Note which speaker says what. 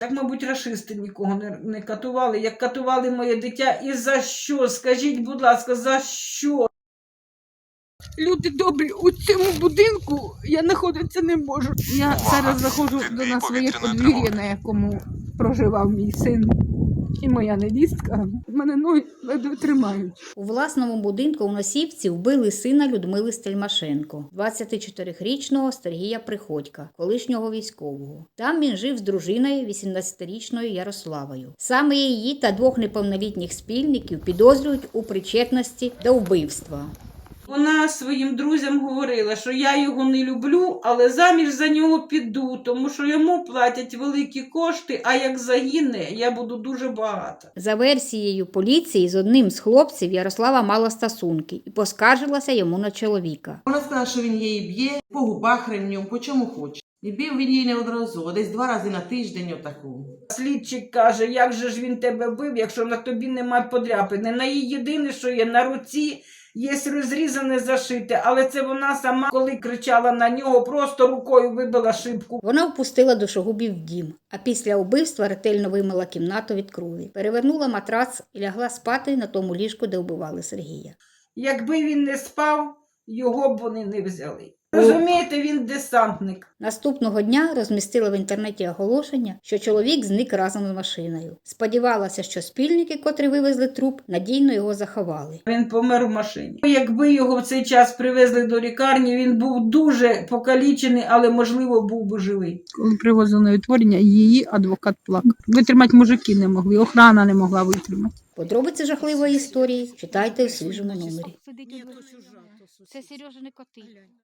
Speaker 1: Так, мабуть, рашисти нікого не катували, як катували моє дитя. І за що? Скажіть, будь ласка, за що?
Speaker 2: Люди добрі, у цьому будинку я знаходитися не можу. Я зараз заходжу до нас своє подвір'я, на якому проживав мій син і моя невістка. Мене ноги ледве тримають.
Speaker 3: У власному будинку у Носівці вбили сина Людмили Стельмашенко, 24-річного Сергія Приходька, колишнього військового. Там він жив з дружиною 18-річною Ярославою. Саме її та двох неповнолітніх спільників підозрюють у причетності до вбивства.
Speaker 1: Вона своїм друзям говорила, що я його не люблю, але заміж за нього піду, тому що йому платять великі кошти, а як загине, я буду дуже багата.
Speaker 3: За версією поліції, з одним з хлопців Ярослава мала стосунки і поскаржилася йому на чоловіка.
Speaker 4: Вона сказала, що він її б'є по губах ремнем, по чому хоче. І бив він її неодноразово, десь 2 рази на тиждень отаку.
Speaker 1: Слідчик каже, як же ж він тебе бив, якщо на тобі немає подряпини. На її єдине, що є, на руці є розрізане, зашите, але це вона сама, коли кричала на нього, просто рукою вибила шибку.
Speaker 3: Вона впустила душогубів в дім, а після вбивства ретельно вимила кімнату від крові, перевернула матрац і лягла спати на тому ліжку, де вбивали Сергія.
Speaker 1: Якби він не спав, його б вони не взяли. Розумієте, він десантник.
Speaker 3: Наступного дня розмістила в інтернеті оголошення, що чоловік зник разом з машиною. Сподівалася, що спільники, котрі вивезли труп, надійно його заховали.
Speaker 1: Він помер в машині. Якби його в цей час привезли до лікарні, він був дуже покалічений, але, можливо, був би живий.
Speaker 2: Коли привозили на відтворення, її адвокат плакав. Витримати мужики не могли, охрана не могла витримати.
Speaker 3: Подробиці жахливої історії читайте у свіжому номері.
Speaker 2: Це Сережини коти.